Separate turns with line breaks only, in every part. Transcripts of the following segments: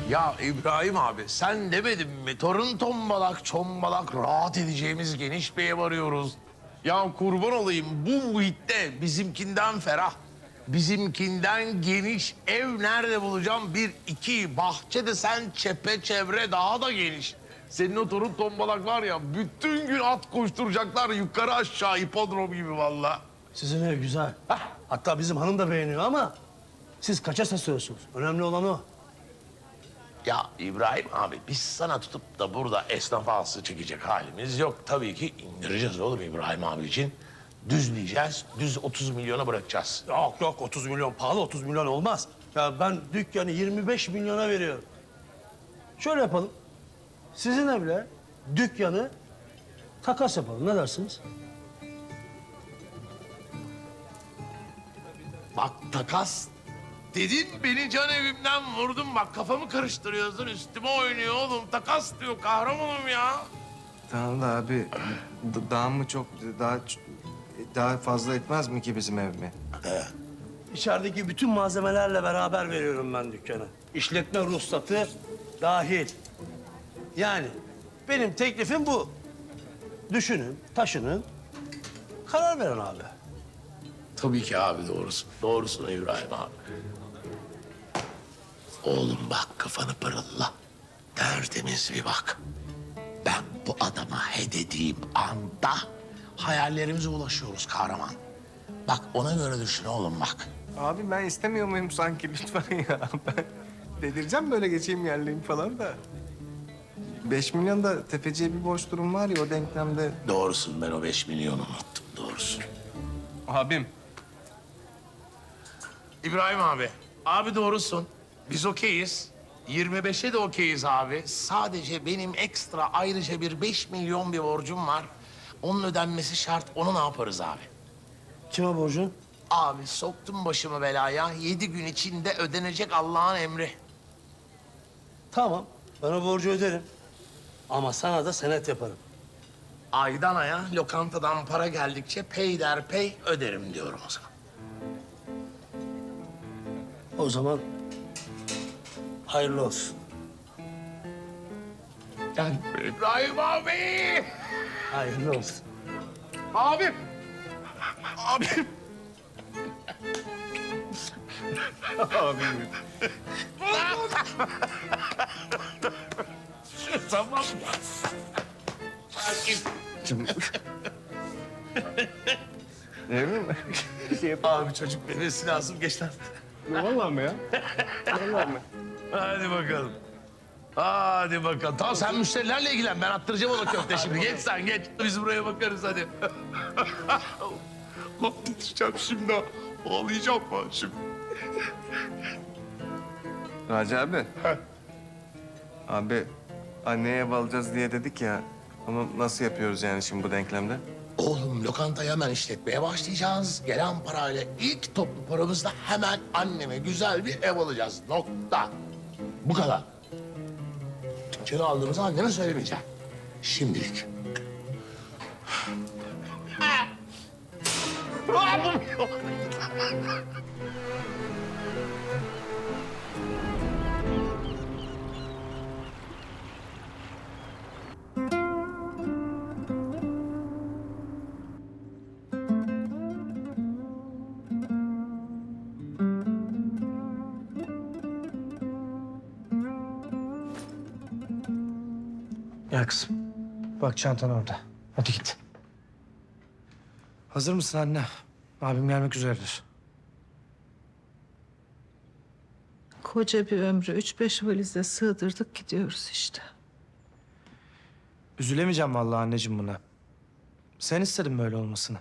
Ya İbrahim abi sen demedin mi? Torun tombalak çombalak rahat edeceğimiz geniş bir ev arıyoruz. Ya kurban olayım bu muhitte bizimkinden ferah, bizimkinden geniş ev nerede bulacağım? Bir, iki, bahçe de sen çepeçevre daha da geniş. Senin o torun tombalak var ya bütün gün at koşturacaklar yukarı aşağı hipodrom gibi vallahi.
Sizin ev güzel. Hatta bizim hanım da beğeniyor ama siz kaça satıyorsunuz? Önemli olan o.
Ya İbrahim abi biz sana tutup da burada esnaf ağası çekecek halimiz yok. Tabii ki indireceğiz oğlum İbrahim abi için. Düzleyeceğiz, düz 30 milyona bırakacağız.
Yok yok 30 milyon pahalı 30 milyon olmaz. Ya ben dükkanı 25 milyona veriyorum. Şöyle yapalım. Sizin evle dükkanı takas yapalım. Ne dersiniz?
Bak takas dedin beni can evimden vurdun bak kafamı karıştırıyorsun üstüme oynuyor oğlum. Takas diyor kahramanım ya.
Tamam da abi daha mı çok daha fazla etmez mi ki bizim ev mi?
İçerideki bütün malzemelerle beraber veriyorum ben dükkanı. İşletme ruhsatı dahil. Yani benim teklifim bu. Düşünün, taşının, karar verin abi.
Tabii ki abi doğrusun. Doğrusun İbrahim abi. Oğlum bak kafanı pırılla. Tertemiz bir bak. Ben bu adama he dediğim anda hayallerimize ulaşıyoruz kahraman. Bak ona göre düşün oğlum bak.
Abi ben istemiyor muyum sanki lütfen ya? Ben delireceğim böyle geçeyim yerliyim falan da. 5 milyon da tefeciye bir borç durum var ya o denklemde.
Doğrusun ben o 5 milyonu unuttum doğrusun.
Abim.
İbrahim abi. Abi doğrusun. Biz okeyiz. 25'e de okeyiz abi. Sadece benim ekstra ayrıca bir 5 milyon bir borcum var. Onun ödenmesi şart. Onu ne yaparız abi?
Kime borcun?
Abi soktum başımı belaya. 7 gün içinde ödenecek Allah'ın emri.
Tamam, ben o borcu öderim. Ama sana da senet yaparım.
Aydan aya lokantadan para geldikçe peyderpey öderim diyorum o zaman.
O zaman hayırlı olsun.
Gel İbrahim abi.
Hayırlı olsun.
Abim. Abim.
Abim.
Tamam. Sakin.
Emin mi?
Abi çocuk bebesi lazım geç lan.
Vallahi mi ya? Vallahi mi?
Hadi bakalım. Hadi bakalım. Tamam sen müşterilerle ilgilen. Ben attıracağım ona köfte şimdi. Geç sen geç. Biz buraya bakarız hadi. Titreyeceğim şimdi. Ağlayacağım ben şimdi.
Raci abi. Abi anneye ev alacağız diye dedik ya. Onu nasıl yapıyoruz yani şimdi bu denklemde?
Oğlum lokantayı hemen işletmeye başlayacağız. Gelen parayla ilk toplu paramızla hemen anneme güzel bir ev alacağız. Nokta. Bu kadar. Dükkanı aldığımızı anneme söylemeyeceğim. Şimdilik.
Gel kızım. Bak çantan orada. Hadi git. Hazır mısın anne? Abim gelmek üzeredir.
Koca bir ömrü 3-5 valize sığdırdık gidiyoruz işte.
Üzülemeyeceğim vallahi anneciğim buna. Sen istedin böyle olmasını.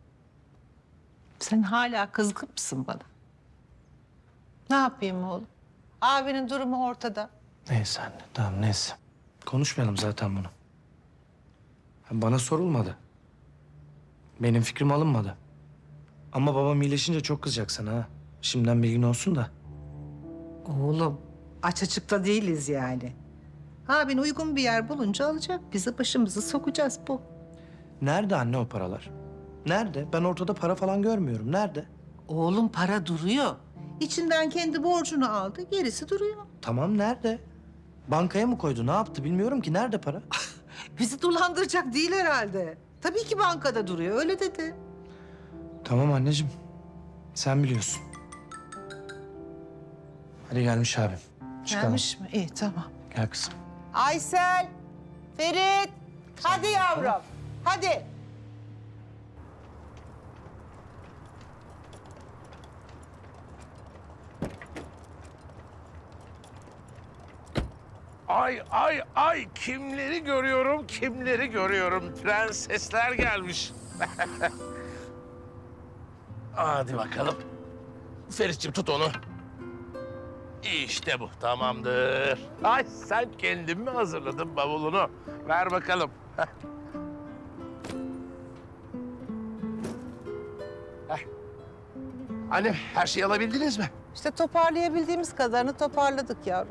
Sen hala kızgın mısın bana? Ne yapayım oğlum? Abinin durumu ortada.
Neyse anne, tamam neyse. Konuşmayalım zaten bunu. Bana sorulmadı. Benim fikrim alınmadı. Ama babam iyileşince çok kızacak sana ha. Şimdiden bilgin olsun da.
Oğlum aç açıkta değiliz yani. Abin uygun bir yer bulunca alacak. Bizi başımızı sokacağız bu.
Nerede anne o paralar? Nerede? Ben ortada para falan görmüyorum. Nerede?
Oğlum para duruyor. İçinden kendi borcunu aldı, gerisi duruyor.
Tamam nerede? Bankaya mı koydu? Ne yaptı bilmiyorum ki. Nerede para?
Bizi dolandıracak değil herhalde. Tabii ki bankada duruyor, öyle dedi.
Tamam anneciğim. Sen biliyorsun. Hadi gelmiş abim. Çıkalım.
Gelmiş mi? İyi, tamam.
Gel kızım.
Aysel, Ferit, hadi yavrum, hadi.
Ay ay ay kimleri görüyorum, kimleri görüyorum. Prensesler gelmiş. Hadi bakalım. Ferit'ciğim tut onu. İşte bu, tamamdır. Ay sen kendin mi hazırladın bavulunu? Ver bakalım. Heh. Annem, her şeyi alabildiniz mi?
İşte toparlayabildiğimiz kadarını toparladık yavrum.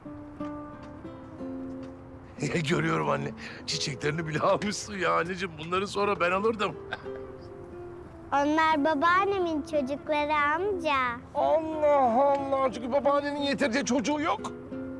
Görüyorum anne. Çiçeklerini bile almışsın ya anneciğim. Bunları sonra ben alırdım.
Onlar babaannemin çocukları amca.
Allah Allah. Çünkü babaannenin yeterince çocuğu yok.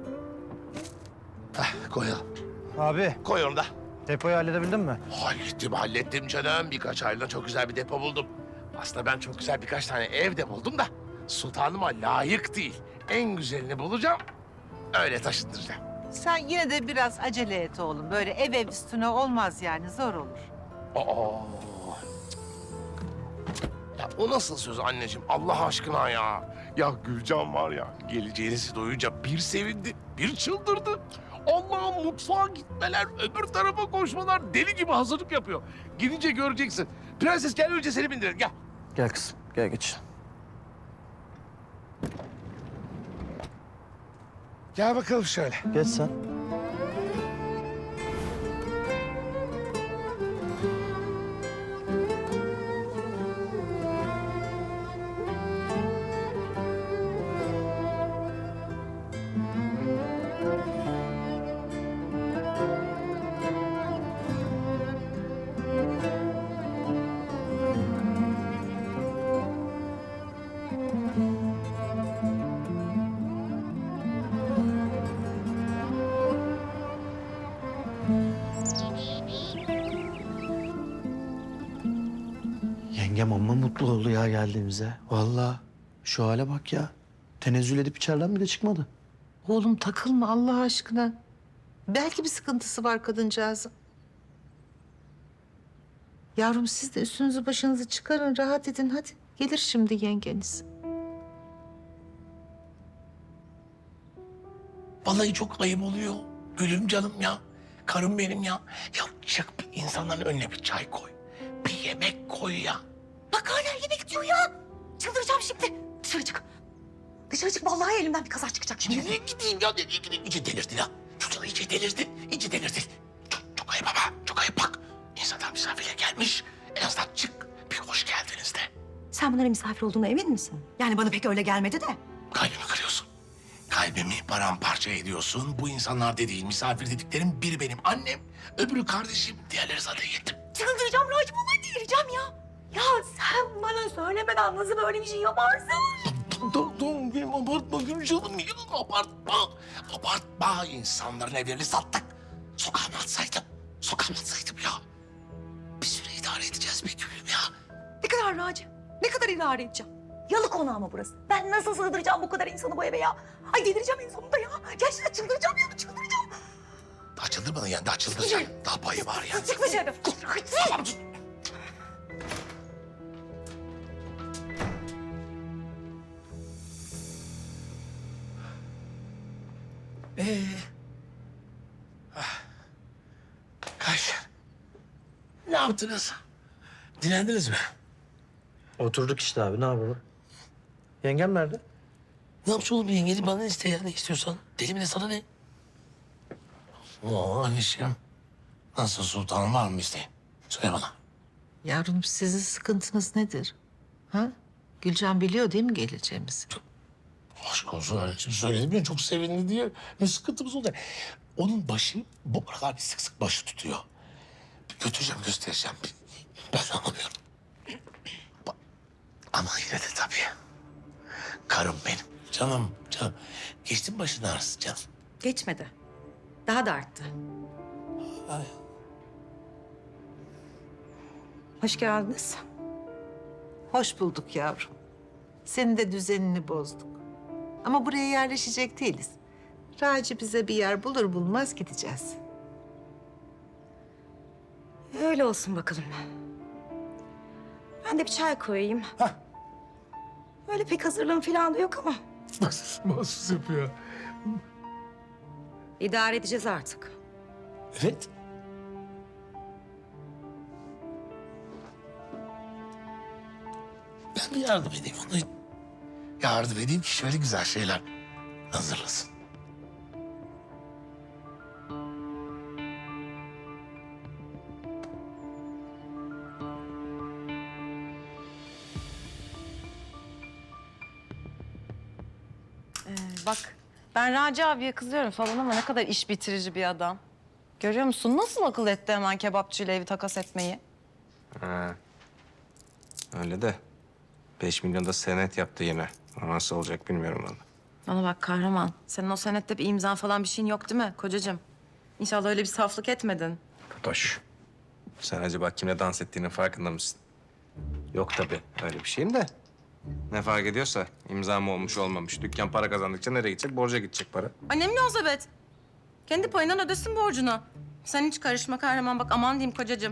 Koyalım.
Abi,
Koy onu da.
depoyu halledebildin mi?
Hallettim canım. Birkaç ayda çok güzel bir depo buldum. Aslında ben çok güzel birkaç tane ev de buldum da sultanıma layık değil. En güzelini bulacağım. Öyle taşındıracağım.
Sen yine de biraz acele et oğlum. Böyle ev üstüne olmaz yani, zor olur.
Aa. Ya o nasıl söz anneciğim? Allah aşkına ya. Ya Gülcan var ya, geleceğinizi duyunca bir sevindi, bir çıldırdı. Allah'ım, mutfağa gitmeler, öbür tarafa koşmalar, deli gibi hazırlık yapıyor. Gidince göreceksin. Prenses gel, önce seni bindirelim, gel.
Gel kızım, gel geç.
Gel bakalım şöyle.
Geç sen. Yengem amma mutlu oldu ya geldiğimize. Vallahi şu hale bak ya. Tenezzül edip içeriden bile çıkmadı.
Oğlum takılma Allah aşkına. Belki bir sıkıntısı var kadıncağızın. Yavrum siz de üstünüzü başınızı çıkarın, rahat edin hadi. Gelir şimdi yengeniz.
Vallahi çok ayıp oluyor. Gülüm canım ya. Karım benim ya. Ya çık bir insanların önüne bir çay koy. Bir yemek koy ya.
Bak hala yemek diyor ya. Çıldıracağım şimdi. Dışarı çık. Dışarı çık. Vallahi elimden bir kaza çıkacak şimdi.
Nereye gideyim ya? Nereye gideyim? İyice delirdi ya. Çocuk iyice delirdi. İyice delirdi. Çok ayıp ama. Çok ayıp bak. İnsanlar misafire gelmiş. En azından çık. Bir hoş geldiniz de.
Sen bunların misafir olduğuna emin misin? Yani bana pek öyle gelmedi de.
Kalbimi kırıyorsun. Kalbimi paramparça ediyorsun. Bu insanlar dediğin, misafir dediklerim biri benim annem, öbürü kardeşim, diğerleri zaten yetim.
Çıldıracağım Racim. Vallahi delireceğim ya. Ya sen bana söylemeden nasıl böyle bir şey yaparsın?
Dur, benim abartma Gülcanım ya. Abartma. Abartma. İnsanların evlerini sattık. Sokağa mı atsaydım? Sokağa mı atsaydım ya? Bir süre idare edeceğiz bir gülüm ya.
Ne kadar Racim? Ne kadar idare edeceğim? Yalı konağı mı burası? Ben nasıl sığdıracağım bu kadar insanı bu eve ya? Ay delireceğim en sonunda ya. Gerçekten çıldıracağım ya, çıldıracağım.
Daha çıldırmadın yani, daha çıldıracaksın. Daha payı var ya.
Çık dışarı.
Tamam, dur. Kaç? Ne yaptınız? Dinlendiniz mi?
Oturduk işte abi, ne yapalım? Yengem nerede?
Ne yapacağız oğlum, yengeni bana iste ya, ne istiyorsan. Deli mi ne, sana ne? Oo anneciğim. Nasıl, sultanım var mı isteğin? Söyle bana.
Yavrum sizin sıkıntınız nedir? Ha? Gülcan biliyor değil mi geleceğimizi?
Aşk olsun anneciğim, söyledim ya, çok sevindi diye. Ne sıkıntımız oldu? Onun başı bu aralar bir sık sık başı tutuyor. Bir götüreceğim, göstereceğim. Ben anlamıyorum. Ama yine de tabii. Karım benim. Canım. Geçti mi başın ağrısı canım?
Geçmedi. Daha da arttı. Hoş geldiniz.
Hoş bulduk yavrum. Senin de düzenini bozduk. Ama buraya yerleşecek değiliz. Raci bize bir yer bulur bulmaz gideceğiz.
Öyle olsun bakalım. Ben de bir çay koyayım. Öyle pek hazırlığım falan da yok ama
Mahsus yapıyor.
idare edeceğiz artık.
Evet.
Ben de yardım edeyim ona. Yardım edeyim ki şöyle güzel şeyler hazırlasın.
Bak ben Raci abiye kızıyorum falan ama ne kadar iş bitirici bir adam. Görüyor musun? Nasıl akıl etti hemen kebapçıyla evi takas etmeyi?
Ha. Öyle de 5 milyon da senet yaptı yine. O nasıl olacak bilmiyorum valla.
Bana bak kahraman. Senin o senette bir imzan falan bir şeyin yok değil mi kocacığım? İnşallah öyle bir saflık etmedin.
Fatoş. Sen acaba kimle dans ettiğinin farkında mısın? Yok tabii öyle bir şeyim de. Ne fark ediyorsa imza mı olmuş olmamış. Dükkan para kazandıkça nereye gidecek? Borca gidecek para.
Ay ne münasebet. Kendi payından ödesin borcunu. Sen hiç karışma kahraman bak aman diyeyim kocacığım.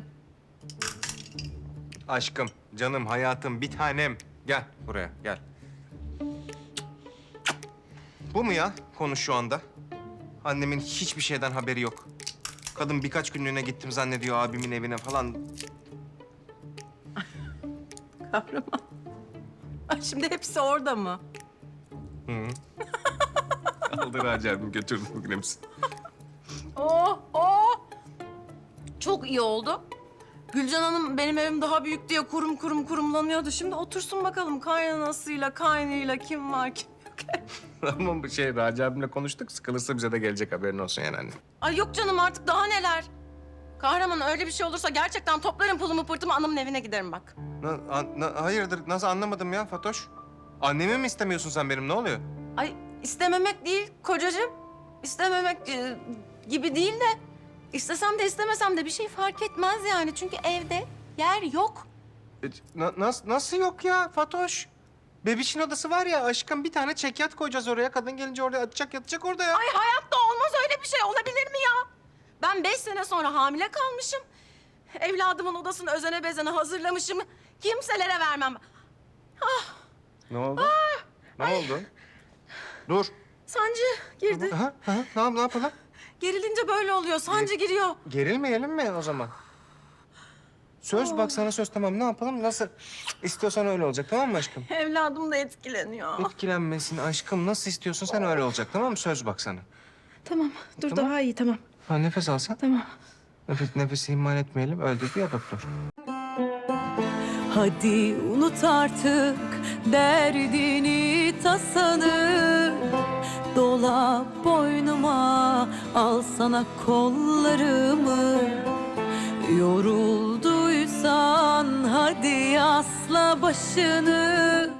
Aşkım, canım, hayatım, bir tanem. Gel buraya, gel. Bu mu ya konu şu anda? Annemin hiçbir şeyden haberi yok. Kadın birkaç günlüğüne gittim zannediyor abimin evine falan.
Kahraman. Ay şimdi hepsi orada mı?
Aldı Raci abim götürdü bugün hepsini.
Oh, oh. Çok iyi oldu. Gülcan Hanım benim evim daha büyük diye kurumlanıyordu. Şimdi otursun bakalım kaynanasıyla, kaynıyla kim var kim yok.
Ama bu şey Raci abimle konuştuk. Sıkılırsa bize de gelecek haberin olsun yani anne.
Ay yok canım artık daha neler. Kahraman öyle bir şey olursa gerçekten toplarım pulumu pırtımı anamın evine giderim bak.
Hayırdır nasıl anlamadım ya Fatoş? Annemi mi istemiyorsun sen benim ne oluyor?
Ay istememek değil kocacığım. İstememek gibi değil de istesem de istemesem de bir şey fark etmez yani. Çünkü evde yer yok.
Nasıl yok ya Fatoş? Bebişin odası var ya aşkım bir tane çekyat koyacağız oraya. Kadın gelince orada yatacak orada ya.
Ay hayatta olmaz öyle bir şey. Olabilir mi ya? Ben 5 sene sonra hamile kalmışım. Evladımın odasını özene bezene hazırlamışım. Kimselere vermem.
Ne oldu? Ne oldu? Dur.
Sancı girdi.
Ne yapalım?
Gerilince böyle oluyor. Sancı giriyor.
Gerilmeyelim mi o zaman? Söz bak sana söz tamam ne yapalım nasıl istiyorsan öyle olacak tamam mı aşkım?
Evladım da etkileniyor.
Etkilenmesin aşkım nasıl istiyorsun sen öyle olacak tamam mı? Söz bak sana.
Tamam. Dur
Tamam.
daha iyi tamam.
Ha, nefes alsan.
Tamam.
Nefesi ihmal etmeyelim öyle dedi ya doktor.
Hadi unut artık derdini tasanı. Dola boynuma al sana kollarımı. Yorulduysan hadi asla başını.